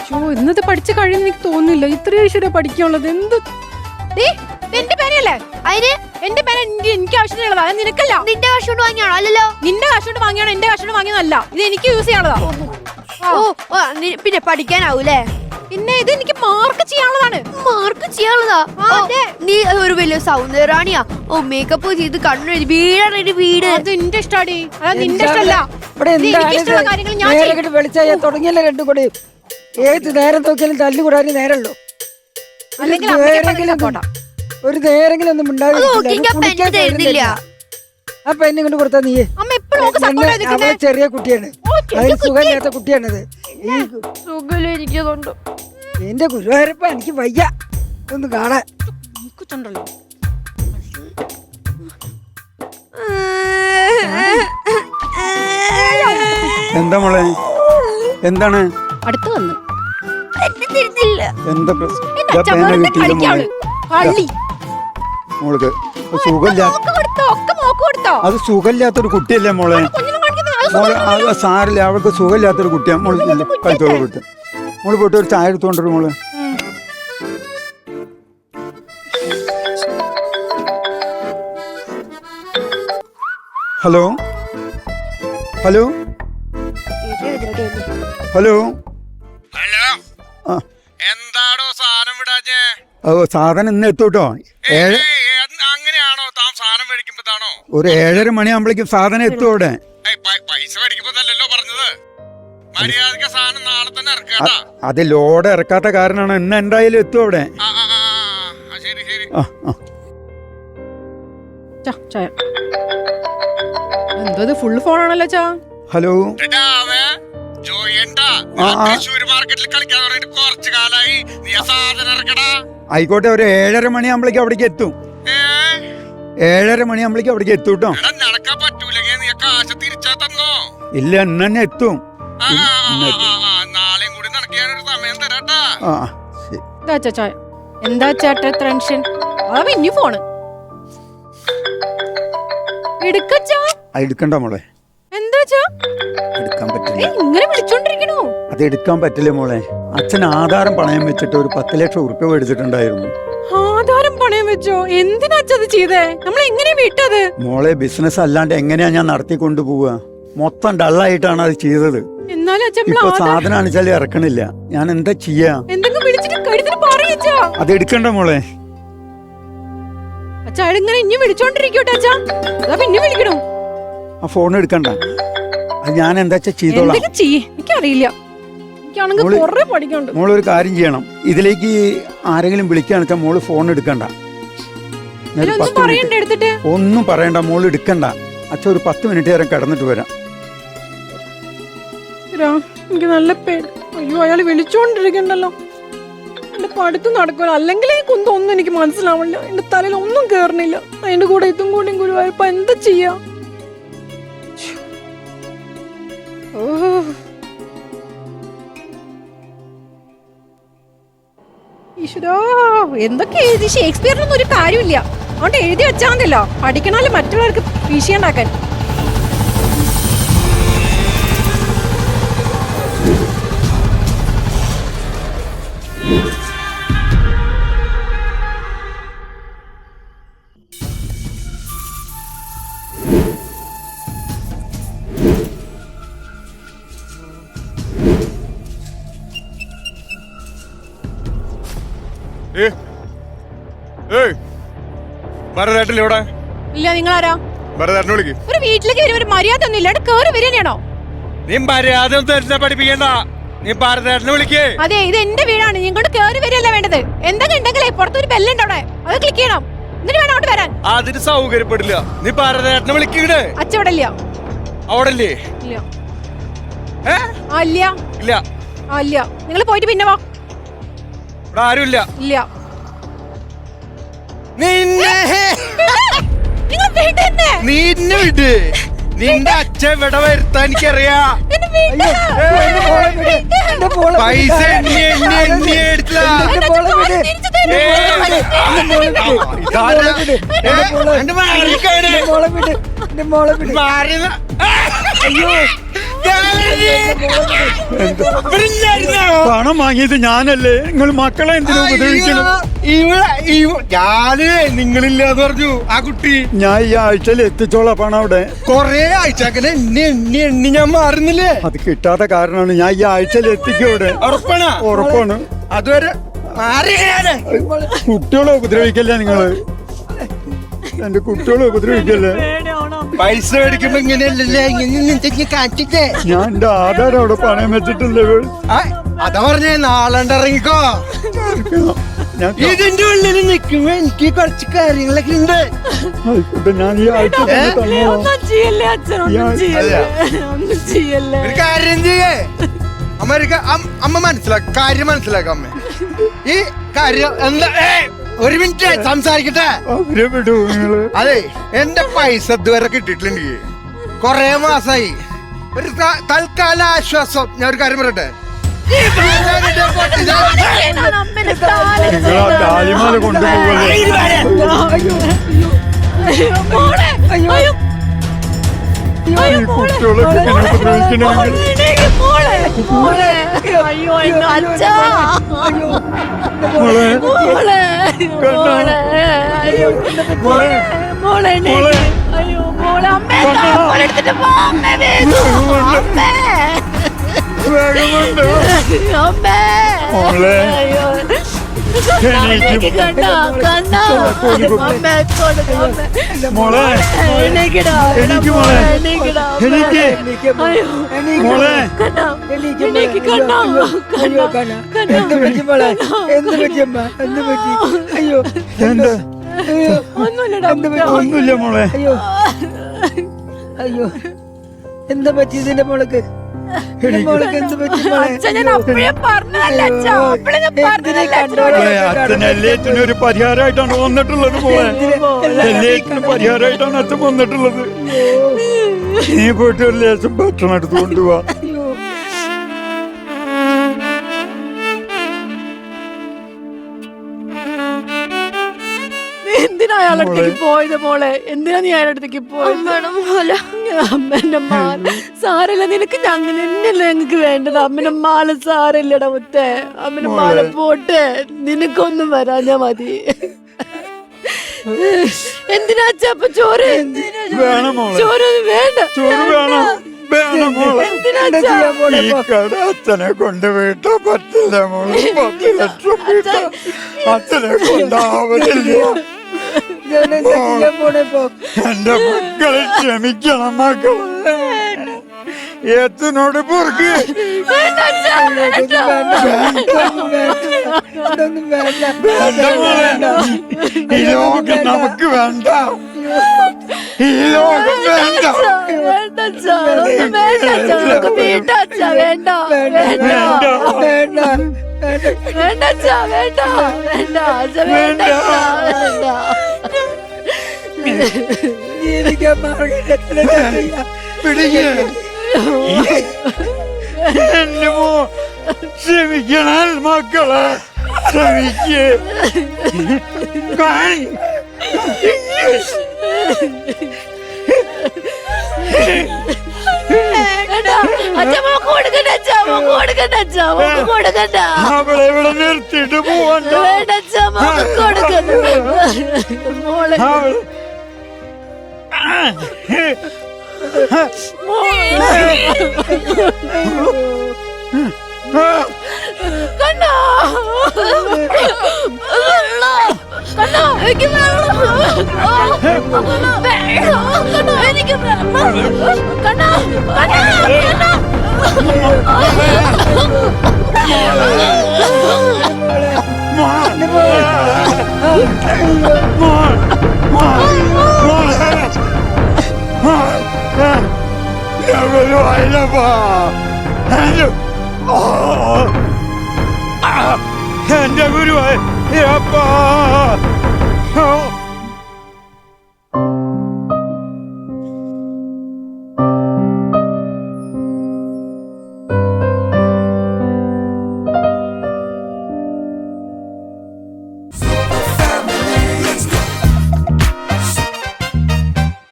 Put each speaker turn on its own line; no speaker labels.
ഇന്നത് പഠിച്ചു കഴിയുന്ന എനിക്ക് തോന്നുന്നില്ല. ഇത്രയും ഈശ്വര പഠിക്കാനുള്ളത് എന്ത്? എന്റെ പേനയല്ലേ അതിന്? എന്റെ പേന എനിക്ക് ആവശ്യമുള്ളതാ, നിനക്കല്ല. നിന്റെ കാശ് കൊണ്ട് വാങ്ങിയാണോ? അല്ലല്ലോ, നിന്റെ കാശ് കൊണ്ട് വാങ്ങിയാണോ? എന്റെ കാശ് കൊണ്ട് വാങ്ങിയതല്ല, ഇത് എനിക്ക് യൂസ് ചെയ്യാനുള്ളതാ. പിന്നെ പഠിക്കാനാവൂലേ? പിന്നെ ഇത് എനിക്ക് മാർക്ക് ചെയ്യാനുള്ളതാണ്. മാർക്ക് ചെയ്യാനുള്ളതാ? നീ ഒരു വലിയ സൗന്ദര്യറാണിയാ. മേക്കപ്പ് ചെയ്ത് കണ്ണു വീടാണ് വീട്. അത് എന്റെ ഇഷ്ടാടി, അതായത് നിന്റെ ഇഷ്ടമല്ല. കാര്യങ്ങൾ ഞാൻ
വെളിച്ചായ തുടങ്ങിയല്ലേ രണ്ടും കൂടി. ഏത് നേരം നോക്കിയാലും തല്ലുകൂടാനും നേരമുള്ളൂ. ഒരു നേരെങ്കിലും ഒന്നും ഉണ്ടാവില്ല. ആ പെണ്ണ് കൊണ്ട് കൊടുത്താ നീ അവളെ ചെറിയ കുട്ടിയാണ്, അതിന് സുഖമില്ലാത്ത കുട്ടിയാണത്. എന്റെ ഗുരുവായൂരപ്പ എനിക്ക് വയ്യ ഒന്ന് കാണാൻ.
എന്താ മോളെ, എന്താണ്?
അടുത്ത് വന്ന്
എന്താ മോൾക്ക് സുഖമില്ല? അത് സുഖമില്ലാത്തൊരു കുട്ടിയല്ലേ മോളെ? മോളെ അത് സാരില്ല, അവൾക്ക് സുഖമില്ലാത്തൊരു കുട്ടിയാണ്. മോള് കഴിച്ചോളൂ വിട്ട്. മോള് പോയിട്ട് ഒരു ചായ എടുത്തോണ്ടൊരു മോള്. ഹലോ ഹലോ ഹലോ
എന്താടോ സാധനം വിടാഞ്ഞേ?
സാധനം ഇന്ന് എത്തൂട്ടോ.
അങ്ങനെയാണോ താൻ സാധനം മേടിക്കുമ്പോഴാണോ?
ഒരു 7:30 മണിയാകുമ്പോഴേക്കും സാധനം എത്തും അവിടെ.
പൈസ മേടിക്കുമ്പോഴല്ലോ പറഞ്ഞത്. മര്യാദക്ക് സാധനം നാളെ തന്നെ ഇറക്കാ.
അത് ലോഡ് ഇറക്കാത്ത കാരണമാണ്. ഇന്ന് എന്തായാലും എത്തും അവിടെ.
ശരി ശരി.
എന്തോ ഫുൾ ഫോണാണല്ലോ ചാ.
ഹലോ ആയിക്കോട്ടെ, ഒരു 7:30 മണിയാകുമ്പോഴേക്കും അവിടേക്ക് എത്തും. 7:30 മണിയാകുമ്പോഴേക്കും അവിടേക്ക് എത്തും കേട്ടോ. ഇല്ല, ഇന്ന് തന്നെ എത്തും.
എന്താ ചേട്ടാ ടെൻഷൻ? ഇനി ഫോണ്
എടുക്കണ്ട മോളെ. എടുക്കാൻ പറ്റില്ല.
ഇങ്ങനെ വിളിച്ചോണ്ടിരിക്കണോ?
അത് എടുക്കാൻ പറ്റില്ല മോളെ. അച്ഛൻ ആധാരം പണയം വെച്ചിട്ട് ഒരു 10 ലക്ഷം ഉറുപ്പ്യ മേടിച്ചിട്ടുണ്ടായിരുന്നു.
ആധാരം പണയം വെച്ചോ? എന്തിനാ അച്ഛത് ചെയ്തേ? നമ്മൾ എങ്ങനെ വിട്ടത്?
മോളെ, ബിസിനസ് അല്ലാണ്ട് എങ്ങനെയാ ഞാൻ നടത്തിക്കൊണ്ടു പോവുക? മൊത്തം ഡള്ളായിട്ടാണ് അത് ചെയ്തത്. ഇപ്പൊ സാധനം അണിച്ചാലും ഇറക്കണില്ല. ഞാൻ എന്താ ചെയ്യാ? അത് എടുക്കണ്ട മോളെ. ആ ഫോൺ എടുക്കണ്ട. അത് ഞാൻ എന്താ ചെയ്തോളാം.
എനിക്കറിയില്ല.
മോളൊരു കാര്യം ചെയ്യണം. ഇതിലേക്ക് ആരെങ്കിലും വിളിക്കാന്ന് വെച്ചാൽ മോള് ഫോൺ എടുക്കണ്ട. ഒന്നും പറയണ്ട, മോള് എടുക്കണ്ട. അച്ഛൻ ഒരു 10 മിനിറ്റ് നേരം കിടന്നിട്ട് വരാം.
എനിക്ക് നല്ല പേര്. അയ്യോ, അയാൾ വിളിച്ചോണ്ടിരിക്കണ്ടല്ലോ. എന്റെ പഠിത്തം നടക്കുമല്ലോ. അല്ലെങ്കിൽ ഈ കുന്തൊന്നും എനിക്ക് മനസ്സിലാവില്ല. എന്റെ തലയിൽ ഒന്നും കേറണില്ല. അതിന്റെ കൂടെ ഇതും കൂടി ഗുരുവായൂരപ്പ എന്താ ചെയ്യാ? ഈശ്വരാ, എന്തൊക്കെ എഴുതി? ഷേക്സ്പിയറിനൊന്നും ഒരു കാര്യമില്ല. അതുകൊണ്ട് എഴുതി വെച്ചാൽ മതിയല്ലോ, പഠിക്കണല്ലോ മറ്റുള്ളവർക്ക് വിഷയണ്ടാക്കാൻ. ഇല്ല, നിങ്ങളാരാ? ഒരു വീട്ടിലേക്ക് വരും, ഒരു മര്യാദ ഒന്നും ഇല്ല. കേറി വരികയാണോ?
നീ മര്യാദ പഠിപ്പിക്കണ്ട. നീ ഭാരതേട്ടനെ വിളിക്കേ.
അതെ, ഇത് എന്റെ വീടാണ്. ഇങ്ങോട്ട് കേറി വരികയല്ല വേണ്ടത്. എന്തൊക്കെ ഉണ്ടെങ്കിലേ പുറത്തൊരു ബെല്ലുണ്ട് അവിടെ, അത് ക്ലിക്ക് ചെയ്യണം. എന്നിട്ട് വേണം അങ്ങോട്ട് വരാൻ.
അതിന് സൗകര്യപ്പെടില്ല. നീ ഭാരതേട്ടനെ വിളിക്കേ.
അച്ഛൻ അവിടെ ഇല്ല.
അവിടെ ഇല്ലേ?
ഇല്ല.
ഇല്ല ഇല്ല.
ഇല്ല, നിങ്ങൾ പോയിട്ട് പിന്നെ വാ.
ഇവിടെ ആരുമില്ല.
ഇല്ല.
നിന്നെ വിട്. നിന്റെ അച്ഛൻ ഇവിടെ വരുത്താൻ എനിക്കറിയാ. പൈസ എണ്ണി എടുത്തില്ല.
പണം വാങ്ങിയത് ഞാനല്ലേ? നിങ്ങൾ മക്കളെ എന്തിനാ ഉപദ്രവിക്കണം?
ഞാന് നിങ്ങളില്ലാന്ന് പറഞ്ഞു ആ കുട്ടി.
ഞാൻ ഈ ആഴ്ചയിൽ എത്തിച്ചോളാം പണം അവിടെ.
കൊറേ ആഴ്ച അങ്ങനെ എണ്ണി ഞാൻ മാറുന്നില്ലേ?
അത് കിട്ടാത്ത കാരണമാണ് ഞാൻ ഈ ആഴ്ചയിൽ എത്തിക്കും അവിടെ. ഉറപ്പാണ്.
അതുവരെ
കുട്ടികളെ ഉപദ്രവിക്കല്ലേ നിങ്ങള്? എന്റെ കുട്ടികളെ ഉപദ്രവിക്കല്ലേ?
പൈസ മേടിക്കുമ്പോ ഇങ്ങനെയല്ലേ കാറ്റിട്ടേ.
ഞാൻ എന്റെ ആധാരം അവിടെ പണയം വെച്ചിട്ടുണ്ട്.
അതാ പറഞ്ഞേ നാളെ ഇറങ്ങിക്കോ. ഇതിന്റെ ഉള്ളിൽ നിൽക്കുമ്പോ എനിക്ക് കുറച്ച് കാര്യങ്ങളൊക്കെ ഉണ്ട്.
ആയിക്കോട്ടെ, ഞാൻ ഈ ആഴ്ച
ഒരു കാര്യം ചെയ്യേ അമ്മ കാര്യം മനസ്സിലാക്കാം. അമ്മ ഈ കാര്യം എന്താ? ഒരു മിനിറ്റ് സംസാരിക്കട്ടെ.
അവരെ വിടൂ നിങ്ങള്.
അതെ, എന്റെ പൈസ ഇതുവരെ കിട്ടിയിട്ടില്ല. കൊറേ മാസായി. ഒരു തൽക്കാല ആശ്വാസം ഞാൻ ഒരു കാര്യം പറയട്ടെ.
താലിമാല കൊണ്ടുപോകല്ലേ? കുട്ടികളെ ഒന്നുമില്ല മോളെ.
അയ്യോ എന്താ പറ്റി ഇതിന്റെ മോൾക്ക്?
അച്ഛൻ എല്ലാറ്റിനും ഒരു പരിഹാരമായിട്ടാണ് വന്നിട്ടുള്ളത് മോളെ. എല്ലാറ്റിനും പരിഹാരമായിട്ടാണ് അച്ഛൻ വന്നിട്ടുള്ളത്. നീ പോയിട്ട് ഒരു ലേശം ഭക്ഷണം എടുത്ത് കൊണ്ടുപോവാ.
എന്തിനാ അയാളടുത്തേക്ക് പോയത് മോളെ? എന്തിനാ നീ അയാളടുത്തേക്ക് പോയത്? അമ്മേന്റെ മാല സാരല്ല, നിനക്ക് അങ്ങനെ തന്നെയല്ലേ ഞങ്ങക്ക് വേണ്ടത്. അമ്മന്റെ മാല സാരല്ലടാ മുത്തേ. അമ്മന്റെ മാല പോട്ടെ, നിനക്കൊന്നും വരാഞ്ഞാ മതി. എന്തിനാ അച്ഛപ്പ ചോറ്? ചോറ് വേണ്ട.
ചോറ് വേണം. അച്ഛനെ കൊണ്ട് വീട്ടാ പറ്റില്ല മോളെ. 10 ലക്ഷം വീട്ടാ അച്ഛനെ കൊണ്ടാവലില്ല. എന്റെ മക്കളെ ക്ഷമിക്കണം മക്കളെ. എത്തിനോട് പൊറുക്ക്. ഈ ലോകം നമുക്ക് വേണ്ട. ഈ ലോകം വേണ്ട. ക്ഷമിക്കണം മക്കളെ, ക്ഷമിക്കേ. അവളെ ഇവിടെ നിർത്തിയിട്ട് പോവണ്ട.
കണ്ണാ എനിക്ക്
എന്റെ ഗുരുവായൂരപ്പാ.